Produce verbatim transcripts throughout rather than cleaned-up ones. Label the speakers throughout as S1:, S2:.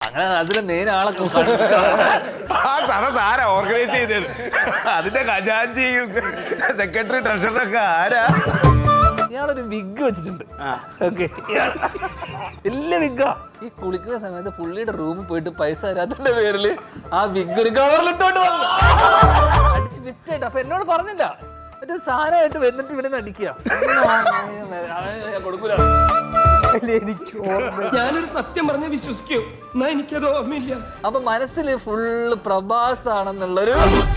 S1: അങ്ങനെ അതിന്റെ മെയിൻ ആളൊക്കെ
S2: ആ സദസ് ആരാ ഓർഗനൈസ് ചെയ്തത്? അതിന്റെ ഖജാൻജി സെക്രട്ടറി ട്രഷററൊക്കെ ആരാ?
S1: ഇയാളൊരു വിഗ് വെച്ചിട്ടുണ്ട്. ഓക്കെ, വലിയ വിഗ്ഗാ. ഈ കുളിക്കുന്ന സമയത്ത് പുള്ളിയുടെ റൂമിൽ പോയിട്ട് പൈസ തരാത്തതിന്റെ പേരില് ആ വിഗ് ഒരു കവറിലിട്ടോണ്ട് വന്നു അടിച്ച് വിറ്റായിട്ട്. അപ്പൊ എന്നോട് പറഞ്ഞില്ല, മറ്റേ സാധനമായിട്ട് വന്നിട്ട് ഇവിടെ നിന്ന് അടിക്കുക. കൊടുക്കൂല.
S3: ഞാനൊരു സത്യം പറഞ്ഞ് വിശ്വസിക്കൂ, എന്നാ എനിക്കത് ഓർമ്മയില്ല.
S1: അപ്പൊ മനസ്സിൽ ഫുള്ള് പ്രഭാസ് ആണെന്നുള്ളൊരു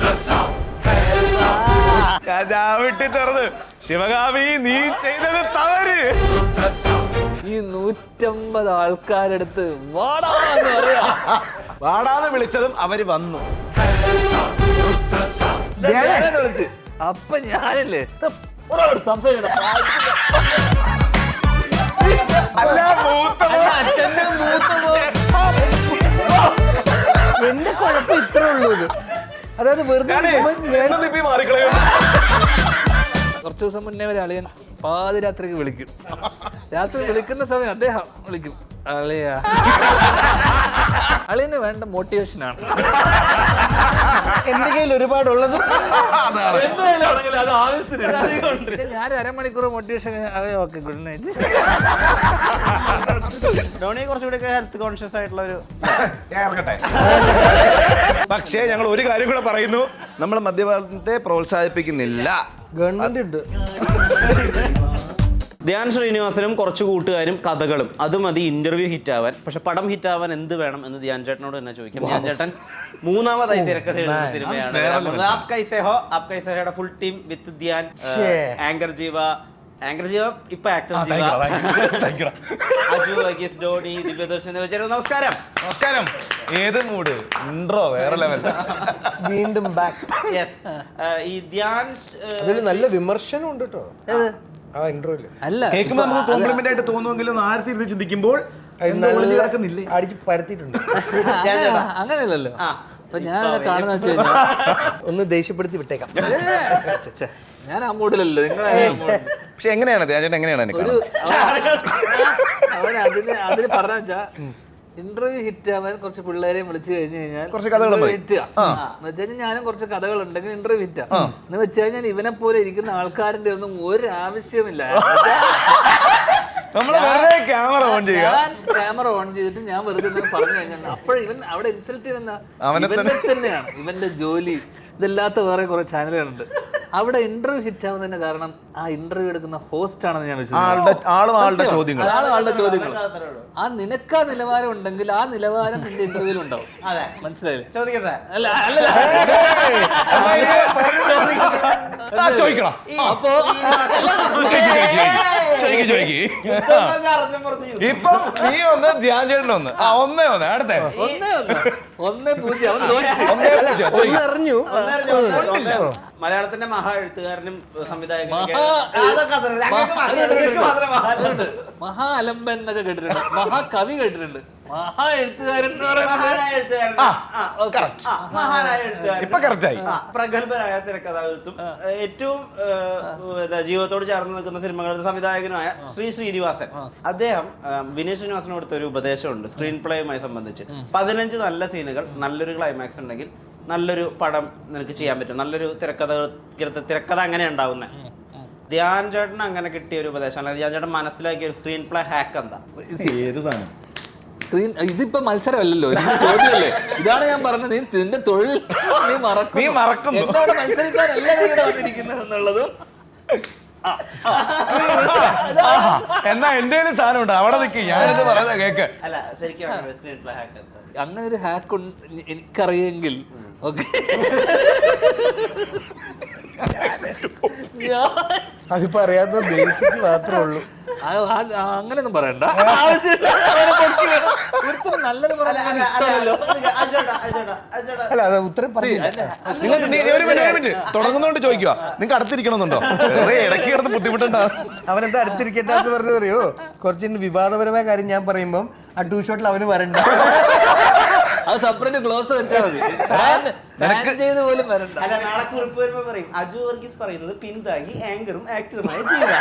S2: ചാവിട്ടി തുറന്ന് ശിവകാമി നീ ചെയ്തത് തവര്.
S1: ഈ നൂറ്റമ്പത് ആൾക്കാരെടുത്ത് വാടാന്ന് പറയാ.
S2: വാടാന്ന് വിളിച്ചതും അവര് വന്നു.
S1: വിളിച്ച് അപ്പൊ ഞാനല്ലേ സംസാരിക്കണം.
S4: എന്റെ കുഴപ്പം ഇത്രേ ഉള്ളൂ. ഇത് അതായത് വെറുതെ
S1: കുറച്ചു ദിവസം മുന്നേ വരെ അളിയൻ പാതിരാത്രിക്ക് വിളിക്കും. രാത്രി വിളിക്കുന്ന സമയം അദ്ദേഹം വിളിക്കും, അളിയ അളിയന് വേണ്ട മോട്ടിവേഷനാണ്.
S4: എന്റെ കയ്യിൽ ഒരുപാടുള്ളത്
S1: അത് ആവശ്യത്തിന് ഞാൻ അരമണിക്കൂർ motivation. Okay, good night.
S5: Dhoni കുറച്ചുകൂടി ഹെൽത്ത് കോൺഷ്യസ് ആയിട്ടുള്ള ഒരു
S2: ഇറങ്ങട്ടെ. പക്ഷേ ഞങ്ങൾ ഒരു കാര്യം കൂടെ പറയുന്നു, നമ്മൾ മദ്യപാനത്തെ പ്രോത്സാഹിപ്പിക്കുന്നില്ല.
S4: ഗവൺമെന്റ് ഉണ്ട്.
S5: ധ്യാൻ ശ്രീനിവാസനും കുറച്ച് കൂട്ടുകാരും കഥകളും അത് മതി ഇന്റർവ്യൂ ഹിറ്റ് ആവാൻ. പക്ഷെ പടം ഹിറ്റ് ആവാൻ എന്ത് വേണം എന്ന് ധ്യാൻ ചേട്ടനോട് തന്നെ ചോദിക്കും. ധ്യാൻ ചേട്ടൻ മൂന്നാമതായി തിരക്കഥ എഴുതുന്ന സിനിമയാണ് ആപ് കൈസേ ഹോ. ആപ് കൈസേ ഹോയുടെ full team with Dhyan, anchor Jeeva, anchor Jeeva ഇപ്പൊ ആക്ടർ ജീവ, അജു വർഗീസ്, ഡോണി, ദിവ്യദർശൻ എന്നിവർ ചേരുന്നു. നമസ്കാരം.
S2: നമസ്കാരം. ഏത് മൂഡ്? ഇൻട്രോ വേറെ ലെവൽ.
S4: വീണ്ടും ബാക്ക്.
S5: യെസ്. ഈ ധ്യാൻ
S4: അതിൽ നല്ല വിമർശനം ഉണ്ട് കേട്ടോ ആ ഇന്റർവ്യൂല്.
S1: അല്ല,
S2: കേൾക്കുമ്പോൾ നമുക്ക് കോംപ്ലിമെന്റ് ആയിട്ട് തോന്നുമെങ്കിലും ആഴത്തിൽ ഇരുന്ന് ചിന്തിക്കുമ്പോൾ
S4: അടിച്ച് പരത്തിയിട്ടുണ്ട്.
S1: അങ്ങനെയല്ലല്ലോ. അപ്പൊ ഞാൻ കാണുന്ന വെച്ച് കഴിഞ്ഞാൽ
S4: ഒന്ന് ദേഷ്യപ്പെടുത്തി വിട്ടേക്കാം.
S1: ഞാൻ ആ മൂഡിലല്ലോ. നിങ്ങൾ
S2: പക്ഷെ എങ്ങനെയാണ് ധ്യാൻ എങ്ങനെയാണ്
S1: ഒരു അവൻ അതിന് അതിന് പറഞ്ഞ വെച്ചാ ഇന്റർവ്യൂ ഹിറ്റ് ആവാൻ കുറച്ച് പിള്ളേരെയും വിളിച്ചു കഴിഞ്ഞു കഴിഞ്ഞാൽ ഹിറ്റ് എന്ന് വെച്ച് കഴിഞ്ഞാൽ ഞാനും കുറച്ച് കഥകൾ ഉണ്ടെങ്കിൽ ഇന്റർവ്യൂ ഹിറ്റാ എന്ന് വെച്ച് കഴിഞ്ഞാൽ ഇവനെ പോലെ ഇരിക്കുന്ന ആൾക്കാരുടെ ഒന്നും ഒരു ആവശ്യമില്ല.
S2: ക്യാമറ ഓൺ ചെയ്യുക,
S1: ക്യാമറ ഓൺ ചെയ്തിട്ട് ഞാൻ വെറുതെ പറഞ്ഞു കഴിഞ്ഞാൽ അപ്പോൾ ഇവൻ അവിടെ ഇൻസൾട്ട് ചെയ്യുന്ന ഇവന്റെ തന്നെയാണ്. ഇവന്റെ ജോലി ഇതല്ലാത്ത വേറെ കുറെ ചാനലുകളുണ്ട്. അവിടെ ഇന്റർവ്യൂ ഹിറ്റ് ആവുന്നതിന്റെ കാരണം ആ ഇന്റർവ്യൂ എടുക്കുന്ന ഹോസ്റ്റ് ആണെന്ന് ഞാൻ വിശ്വസിക്കുന്നു.
S2: ആളുടെ ചോദ്യങ്ങൾ
S1: ആളുടെ ചോദ്യങ്ങൾ ആ നിനക്ക് ആ നിലവാരം ഉണ്ടെങ്കിൽ ആ നിലവാരം നിന്റെ ഇന്റർവ്യൂവിൽ ഉണ്ടാവും. മനസ്സിലായില്ലേ?
S5: ചോദിക്കട്ടെ.
S1: അല്ല അല്ല
S2: ചോദിക്കണം.
S1: അപ്പോ
S2: ഇപ്പൊ നീ ഒന്ന് ധ്യാൻ ചേട്ടൻ ഒന്ന് ഒന്നേ ഒന്ന് അടുത്തേ
S1: ഒന്നേ ഒന്ന് ഒന്നേ പൂജ്യം അവൻ
S4: അറിഞ്ഞു.
S5: മലയാളത്തിന്റെ മഹാ എഴുത്തുകാരനും സംവിധായകനും
S1: മഹാ അലമ്പൻ എന്നൊക്കെ കേട്ടിട്ടുണ്ട്, മഹാകവി കേട്ടിട്ടുണ്ട്, മഹാ എഴുത്തുകാരൻ
S5: പ്രഗത്ഭനായ തിരക്കഥാകൃത്തും ഏറ്റവും ജീവിതത്തോട് ചേർന്ന് നിൽക്കുന്ന സിനിമകളുടെ സംവിധായകനുമായ ശ്രീ ശ്രീനിവാസൻ. അദ്ദേഹം വിനീത് ശ്രീനിവാസന് കൊടുത്ത ഒരു ഉപദേശമുണ്ട് സ്ക്രീൻ പ്ലേയുമായി സംബന്ധിച്ച്. പതിനഞ്ച് നല്ല സീനുകൾ, നല്ലൊരു ക്ലൈമാക്സ് ഉണ്ടെങ്കിൽ നല്ലൊരു പടം നിനക്ക് ചെയ്യാൻ പറ്റും. നല്ലൊരു തിരക്കഥ തിരക്കഥ അങ്ങനെ ഉണ്ടാവുന്നത്. ധ്യാൻ ചേട്ടൻ അങ്ങനെ കിട്ടിയ ഒരു ഉപദേശം, അല്ലെങ്കിൽ ധ്യാൻ ചേട്ടൻ മനസ്സിലാക്കിയ ഒരു സ്ക്രീൻ പ്ലേ ഹാക്ക് എന്താ?
S2: ഏത് സാധനം?
S1: സ്ക്രീൻ ഇതിപ്പോ മത്സരമല്ലല്ലോ, ചോദ്യമല്ലേ. ഇതാണ് ഞാൻ പറഞ്ഞത്, നീ നിന്റെ തൊഴിൽ നീ മറക്കും.
S2: നീ മറക്കുന്നു.
S1: എന്നോട് മത്സരിക്കാനല്ല നീ ഇവിടെ വന്നിരിക്കുന്നത് എന്നുള്ളതും.
S2: എന്നാ എന്റെ സാധനം ഉണ്ട്, അവിടെ നിൽക്കി ഞാനിത് പറയുന്നത് കേക്ക്.
S5: അല്ല ശരിക്കും സ്ക്രീൻ പ്ലേ ഹാക്ക് എന്താ?
S1: അങ്ങനെ ഒരു ഹാക്ക് എനിക്കറിയെങ്കിൽ ഓക്കെ.
S4: അതിപ്പോ അറിയാവുന്ന ബേസിക് മാത്രമേ ഉള്ളൂ.
S1: അങ്ങനെയൊന്നും പറയണ്ട, ആവശ്യമില്ല. നല്ലത് പറയാനല്ലോ.
S4: അല്ല അത് ഉത്തരം പറഞ്ഞില്ല.
S2: നിങ്ങൾക്ക് തുടങ്ങുന്നോണ്ട് ചോദിക്കുക, നിങ്ങൾക്ക് അടുത്തിരിക്കണമെന്നുണ്ടോ? ഇടയ്ക്ക് കിടന്ന് ബുദ്ധിമുട്ടുണ്ടാവും.
S4: അവനെന്താ അടുത്തിരിക്കട്ടെ എന്ന് പറഞ്ഞതറിയോ? കുറച്ച് വിവാദപരമായ കാര്യം ഞാൻ പറയുമ്പം ആ ടൂ ഷോട്ടിൽ അവന് വരണ്ട.
S1: അത് സെപ്പറേറ്റ് ഗ്ലോസ് വെച്ചാൽ മതി. ബാൻ- ബാൻ ചെയ്ത് പോലും വരണ്ട.
S5: അല്ല, നാളെ കുറിപ്പ് വരുമ്പോ പറയും അജു വർഗീസ് പറയുന്നത് പിന്താങ്ങി ആങ്കറും ആക്ടറുമായ ജീവ.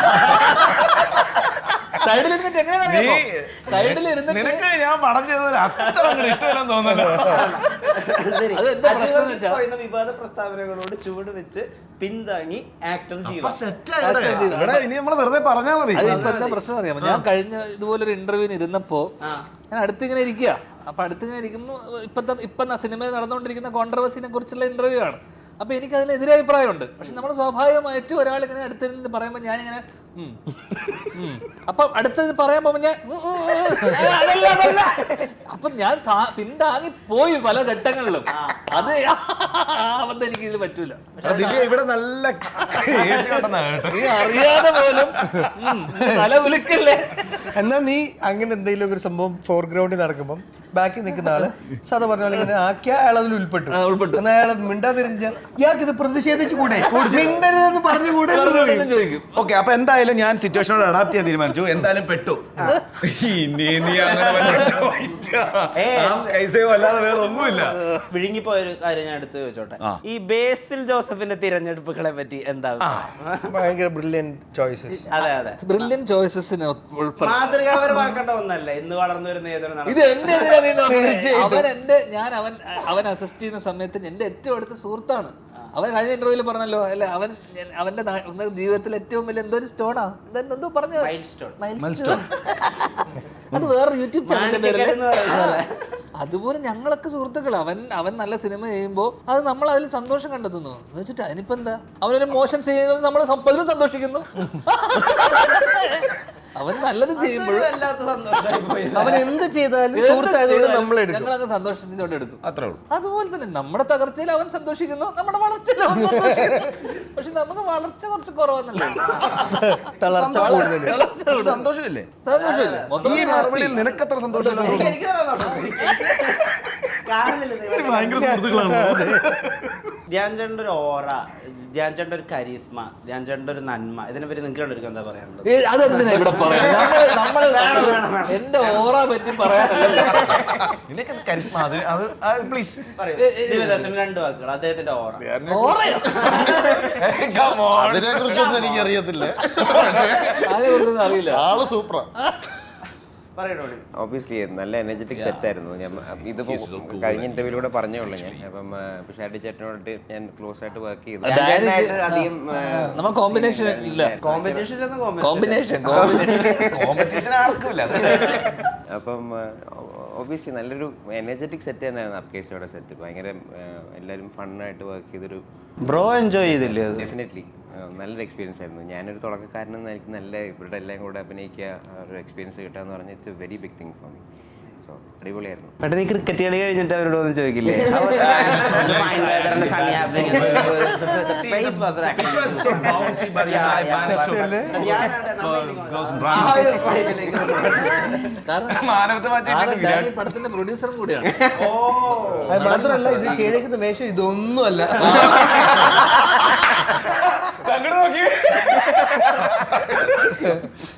S1: സൈഡിൽ ഇരുന്നിട്ട് എങ്ങനെയാ സൈഡിൽ ഇരുന്നിട്ട്
S2: നിനക്ക് ഞാൻ പടം ചെയ്തത് അത്ര ഇഷ്ടമില്ലെന്ന് തോന്നുന്നു.
S5: ശരി.
S1: അത് എന്താ
S5: അജു
S1: പ്രശ്നം
S5: വർഗീസ്
S1: വെച്ചാ?
S5: പറയുന്ന വിവാദ പ്രസ്താവനകളോട് ചുവട് വെച്ച് പിന്താങ്ങി ആക്ടർ ജീവ.
S2: ഇവിടെ ഇനി നമ്മൾ വെറുതെ പറഞ്ഞാൽ മതി.
S1: അത് ഇപ്പൊ എന്താ പ്രശ്നം അറിയാമോ? ഞാൻ കഴിഞ്ഞ ഇതുപോലെ ഒരു ഇന്റർവ്യൂവിന് ഇരുന്നപ്പോ ഞാൻ അടുത്തിങ്ങനെ ഇരിക്കുക. അപ്പൊ അടുത്തിങ്ങനെ ഇരിക്കുമ്പോ ഇപ്പത്തെ ഇപ്പൊ സിനിമയിൽ നടന്നുകൊണ്ടിരിക്കുന്ന കോൺട്രവേഴ്സിനെ കുറിച്ചുള്ള ഇന്റർവ്യൂ ആണ്. അപ്പൊ എനിക്ക് അതിൽ എതിരെ അഭിപ്രായമുണ്ട്. പക്ഷെ നമ്മൾ സ്വാഭാവികമായിട്ടും ഒരാൾ ഇങ്ങനെ അടുത്തിരുന്ന് പറയുമ്പോൾ ഞാനിങ്ങനെ ഉം, ഉം. അപ്പൊ അടുത്തത് പറയാൻ പോകുമ്പോ ഞാൻ ഉം, ഉം, ഉം. ഏ, അതല്ല, അതല്ല. അപ്പൊ ഞാൻ താ- പിന്താങ്ങി പോയി പല ഘട്ടങ്ങളിലും. അത് അബദ്ധം എനിക്ക് ഇതിൽ പറ്റൂല.
S2: എടാ ദിവ്യ, ഇവിടെ നല്ല AC ഉണ്ടെന്നാ കേട്ടോ.
S1: നീ അറിയാതെ പോലും ഉം, തല ഉലുക്കല്ലേ.
S4: എന്നാ നീ അങ്ങനെ എന്തെങ്കിലും ഒരു സംഭവം ഫോർഗ്രൗണ്ടിൽ നടക്കുമ്പോൾ ബാക്കിൽ നിൽക്കുന്ന ആള് സാധാ പറഞ്ഞാൽ ഇങ്ങനെ ആക്കിയ അയാൾ അതിൽ ഉൾപ്പെട്ടു.
S1: ആ, ഉൾപ്പെട്ടു.
S4: എന്നാ അയാൾ മിണ്ടാതിരിച്ച ഇയാൾക്ക് ഇത് പ്രതിഷേധിച്ചു കൂടെ മിണ്ടരുതെന്ന് പറഞ്ഞുകൂടെ എന്ന് പറയും.
S1: ചോദിക്കും.
S2: ഓക്കെ, അപ്പൊ എന്തായാലും ഞാൻ സിറ്റുവേഷനോട് അഡാപ്റ്റ് ചെയ്യാൻ തീരുമാനിച്ചു. എന്തായാലും പെട്ടു. ഇനി നീ അങ്ങനെ വല്ലതും ചോദിച്ചാ ആ കൈസയോ അല്ലാതെ വേറെ ഒന്നുമില്ല.
S5: വിഴുങ്ങിപ്പോയ ഒരു കാര്യം ഞാൻ എടുത്ത് ചോദിച്ചോട്ടെ.
S2: ആ.
S5: ഈ ബേസിൽ ജോസഫിന്റെ തിരഞ്ഞെടുപ്പുകളെ പറ്റി എന്താ?
S4: ഭയങ്കര ബ്രില്യൻ ചോയ്സസ്.
S5: അതെ അതെ,
S1: ബ്രില്യൻ ചോയ്സസിന് ഉൾപ്പെടെ
S5: മാതൃകാപരമാക്കേണ്ട ഒന്നല്ല ഇന്ന് വളർന്നു വരുന്ന ഏതൊരു നടൻ.
S1: ഇത് എന്റെ എതിരാ നീ നോക്കുന്നത്. അവൻ എന്റെ ഞാൻ അവൻ അവൻ അസിസ്റ്റ് ചെയ്യുന്ന സമയത്ത് എന്റെ ഏറ്റവും അടുത്ത സുഹൃത്താണ്. അവൻ കഴിഞ്ഞ ഇന്റർവ്യൂവിൽ പറഞ്ഞല്ലോ അല്ലെ, അവൻ ഞാൻ- അവന്റെ നാ- ഒന്ന് ജീവിതത്തിൽ ഏറ്റവും വലിയ എന്തോ ഒരു സ്റ്റോണാ എന്തോ പറഞ്ഞു
S5: Milestone.
S1: അത് വേറെ യൂട്യൂബ് ചാനലിന്റെ പേരല്ലേ.
S5: എന്ന് പറയുന്നത്.
S1: അതുപോലെ ഞങ്ങളൊക്കെ സുഹൃത്തുക്കൾ. അവൻ അവൻ നല്ല സിനിമ ചെയ്യുമ്പോൾ അത് നമ്മൾ അതിൽ സന്തോഷം കണ്ടെത്തുന്നു എന്ന് വെച്ചിട്ട് അതിനിപ്പോ എന്താ, അവനൊരു മോശം ചെയ്യുന്നത് നമ്മൾ പലരും സന്തോഷിക്കുന്നു. അവൻ നല്ലത് ചെയ്യുമ്പോഴും
S5: വല്ലാത്ത സന്തോഷമായി പോയി.
S4: അവൻ എന്ത് ചെയ്താലും സുഹൃത്തായതുകൊണ്ട് നമ്മൾ എടുക്കും.
S1: ഞങ്ങളങ്ങ് സന്തോഷത്തിനോട് എടുക്കും.
S2: അത്രേ ഉള്ളൂ.
S1: അതുപോലെ തന്നെ നമ്മുടെ തകർച്ചയിൽ അവൻ സന്തോഷിക്കുന്നു, നമ്മുടെ വളർച്ചയിൽ അവൻ സന്തോഷിക്കുന്നു. പക്ഷെ നമുക്ക് വളർച്ച കുറച്ച് കുറവാന്നല്ലേ.
S4: തളർച്ച കൂടുതൽ.
S1: വളർച്ച കൂടുതൽ.
S2: സന്തോഷമില്ലേ
S1: സന്തോഷമില്ലേ? മൊത്തം
S2: ഈ മറുപടിയിൽ നിനക്കത്ര സന്തോഷമില്ല.
S5: എനിക്ക് സന്തോഷം. കാണുന്നില്ല നിങ്ങൾ.
S2: ഭയങ്കര സുഹൃത്തുക്കളാണ്.
S5: ധ്യാൻ ചേട്ടൻ്റെ ഒരു ഓറ, ധ്യാൻ ചേട്ടൻ്റെ ഒരു കരിസ്മ, ധ്യാൻ ചേട്ടൻ്റെ ഒരു നന്മ, ഇതിനെ പറ്റി നിങ്ങൾക്ക് രണ്ടുപേർക്കും എന്താ പറയാനുള്ളത്?
S1: ഏ, അതെന്തിനാ ഇവിടെ പറയാം? നമ്മള് നമ്മള് എന്റെ ഓറ പറ്റി പറയാനല്ലോ.
S2: നിനക്ക് കരിസ്മ അത് അത് പ്ലീസ്
S5: പറയൂ. ദിവദർശൻ രണ്ട് വാക്കുകൾ അദ്ദേഹത്തിന്റെ ഓറ.
S1: ഓറയോ?
S6: അതിനെ കുറിച്ചൊന്നും എനിക്ക് അറിയത്തില്ല.
S1: അതിനെക്കുറിച്ചൊന്നും അറിയില്ല.
S6: ആള് സൂപ്പറാ.
S5: പറയണോ?
S7: ഓബിയസ്ലി നല്ല എനർജറ്റിക് സെറ്റ് ആയിരുന്നു. ഞാൻ ഇതിപ്പോ കഴിഞ്ഞ ഇന്റർവ്യൂലൂടെ പറഞ്ഞേ ഉള്ളൂ ഞാൻ. അപ്പം പിഷാടി ചേട്ടനോട് ഞാൻ ക്ലോസ് ആയിട്ട് വർക്ക് ചെയ്തു.
S1: ഡയറക്റ്റ്
S7: അധികം
S1: നമ്മൾ കോമ്പിനേഷൻ ഇല്ല.
S5: കോമ്പറ്റീഷൻ
S1: കോമ്പിനേഷൻ
S2: കോമ്പറ്റീഷൻ ആർക്കുമില്ല.
S7: അപ്പം ഓബിയസ്ലി നല്ലൊരു എനർജറ്റിക് സെറ്റ് തന്നെയായിരുന്നു അപ്കേഷയുടെ സെറ്റ്. ഭയങ്കര എല്ലാവരും ഫണ്ണായിട്ട് വർക്ക് ചെയ്തൊരു
S5: ബ്രോ എൻജോയ് ചെയ്തില്ലേ അത്?
S7: ഡെഫിനറ്റ്ലി നല്ലൊരു എക്സ്പീരിയൻസ് ആയിരുന്നു. ഞാനൊരു തുടക്കക്കാരനെന്ന് എനിക്ക് നല്ല ഇവരുടെ എല്ലാം കൂടെ അഭിനയിക്കുക ഒരു എക്സ്പീരിയൻസ് കിട്ടുക എന്ന് പറഞ്ഞാൽ it's a very big thing for me. So അടിപൊളിയായിരുന്നു.
S5: പെട്ടെന്ന് ഈ ക്രിക്കറ്റ് കളി കഴിഞ്ഞിട്ട് അവരോട് ഒന്നും ചോദിക്കില്ലേ?
S2: Which was so bouncy, but yeah, I managed to go some runs.
S1: കാരണം
S2: മാനവത്തെ മാറ്റിയിട്ടുണ്ട്
S1: ആള് ഡാനി പടത്തിന്റെ പ്രൊഡ്യൂസറും കൂടിയാണ്.
S4: അത് മാത്രമല്ല ഇത് ചെയ്തേക്കുന്ന വേഷം ഇതൊന്നും അല്ല.
S2: അങ്ങോട്ട് നോക്കി